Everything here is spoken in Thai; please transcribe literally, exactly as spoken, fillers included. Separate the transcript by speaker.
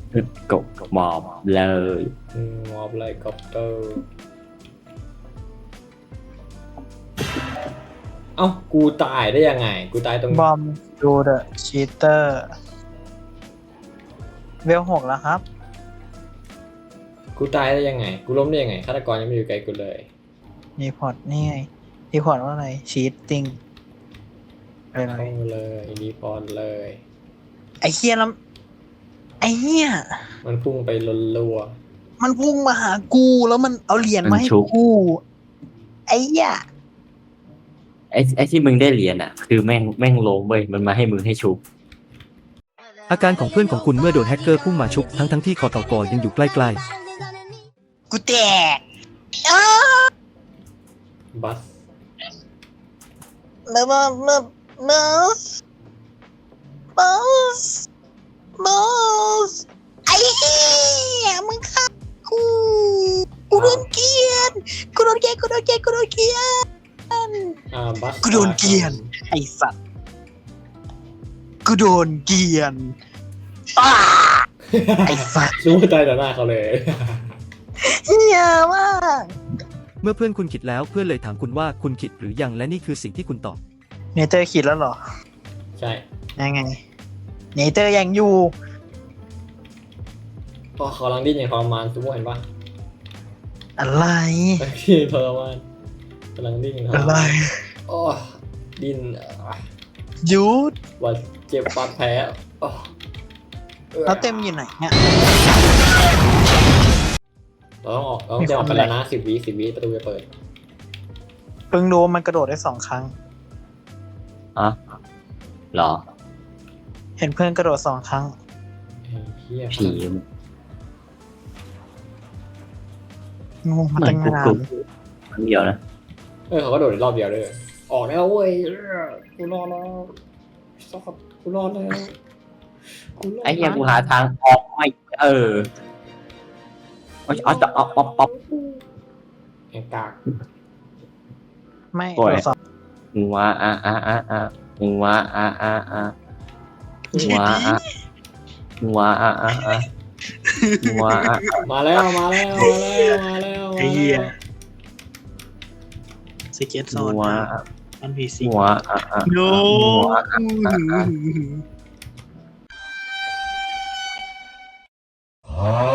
Speaker 1: กบหมอบเลย
Speaker 2: อืมมอบไลคอปเตอร์เอ้ากูตายได้ยังไงกูตายตรง
Speaker 3: บอมดูเดอะชีเตอร์เวลหกแล้วครับ
Speaker 2: กูตายได้ยังไงกูล้มได้ยังไงฆาตกรยังไม่อยู่ไกลกูเลย
Speaker 3: มีพอร์ตนี่ไงมีพอร์ตว่าอะไรชีตติ้งอะไร
Speaker 2: เข้าเลยรีพอร์ตเลย
Speaker 3: ไอ้เฮียแล้วไอ้เฮีย
Speaker 2: มันพุ่งไปรัว
Speaker 3: มันพุ่งมาหากูแล้วมันเอาเหรียญมาให้กูไอ้เฮีย
Speaker 1: ไอ้ไอ้ที่มึงได้เหรียญอ่ะ คือแม่งแม่งล้มเว้ยมันมาให้มึงให้ชุบ
Speaker 4: อาการของเพื่อนของคุณเมื่อโดนแฮกเกอร์พุ่งมาชุบทั้งทั้งที่คอตกยังอยู่ใกล้
Speaker 3: กูแตกอ้า
Speaker 2: ๆบัส
Speaker 3: เมื่อเมื่อเมื่อเมื่อบอสบอสไอ้เฮียมึงฆ่ากูกูโดนเกลียนกูโดนเกลียนกูโดนเกลียนกูโดนเกลียน
Speaker 2: อ่าบัส
Speaker 3: กูโดนเกลียน ไอสัตว์กูโดนเกลียนอ้าไอสัตว์
Speaker 2: รู้ว่าตายต่อหน้าเขาเลย
Speaker 3: เหี้ยมาก
Speaker 4: ๆ เมื่อเพื่อนคุณคิดแล้วเพื่อนเลยถามคุณว่าคุณคิดหรือยังและนี่คือสิ่งที่คุณตอบ
Speaker 3: เนเตอร์คิดแล้วเหรอ
Speaker 2: ใช่
Speaker 3: ยังไงเนเตอร์ยังอยู่
Speaker 2: พอเขากำลังดิ้นอย่างทรมานซูโม่เห็นปะ
Speaker 3: อะไร
Speaker 2: ที่ทรมานกำลังดิ้นอย่างทร
Speaker 3: อะไร
Speaker 2: มานโอ้ดิ้นอ่ะ
Speaker 3: หยุด
Speaker 2: ว่าเจ็บบาดแผลโอ้
Speaker 3: แล้วเต็มอยู่ไหนเนี่ย
Speaker 2: เราต้องออกเราต้องจะออกไปแล้วนะสิบวิสิบวิประตูจะเปิด
Speaker 3: เพิ่งรู้มันกระโดดได้สองครั้ง
Speaker 1: อ่ะเหรอ
Speaker 3: เห็นเพื่อนกระโดดสองครั้ง
Speaker 2: ไอ้เหี้ย
Speaker 1: ผี
Speaker 3: งูมา
Speaker 1: เหมือ
Speaker 3: ตั้
Speaker 1: น
Speaker 3: ง
Speaker 1: กู
Speaker 3: นาน
Speaker 1: กูครั้งเดียวนะ
Speaker 2: เออเขาก็โดดรอบเดียวเลยออกแล้วเว้ยกูรอดแล้วซอกกูรอดแล้วกูรอด
Speaker 1: ไอ้เหี้ยกูหาทางออกไม่เออเอาเอาจะเอาป๊อปป๊อป
Speaker 2: แองกาก
Speaker 3: ไม่
Speaker 1: โอ้ย
Speaker 3: ตรวจสอบ
Speaker 1: มึงว่าอ่ะอ่ะอ่ะอ่ะมึงว่าอ่ะอ่ะอ่ะมึงว่าอ่ะมึงว่าอ่ะอ่ะอ่ะมึงว่าอ่ะ
Speaker 2: มาแล้วมาแล้วมาแล้วมาแล้ว
Speaker 3: ไอ้เหี้ยสเก็ตโซ
Speaker 1: มึ
Speaker 3: น
Speaker 1: งว่าอ่ะ
Speaker 3: อันพีซี
Speaker 1: มึงว่าอ่ะอ่ะ
Speaker 3: โน
Speaker 1: มึงว่าอ่ะอ่ะ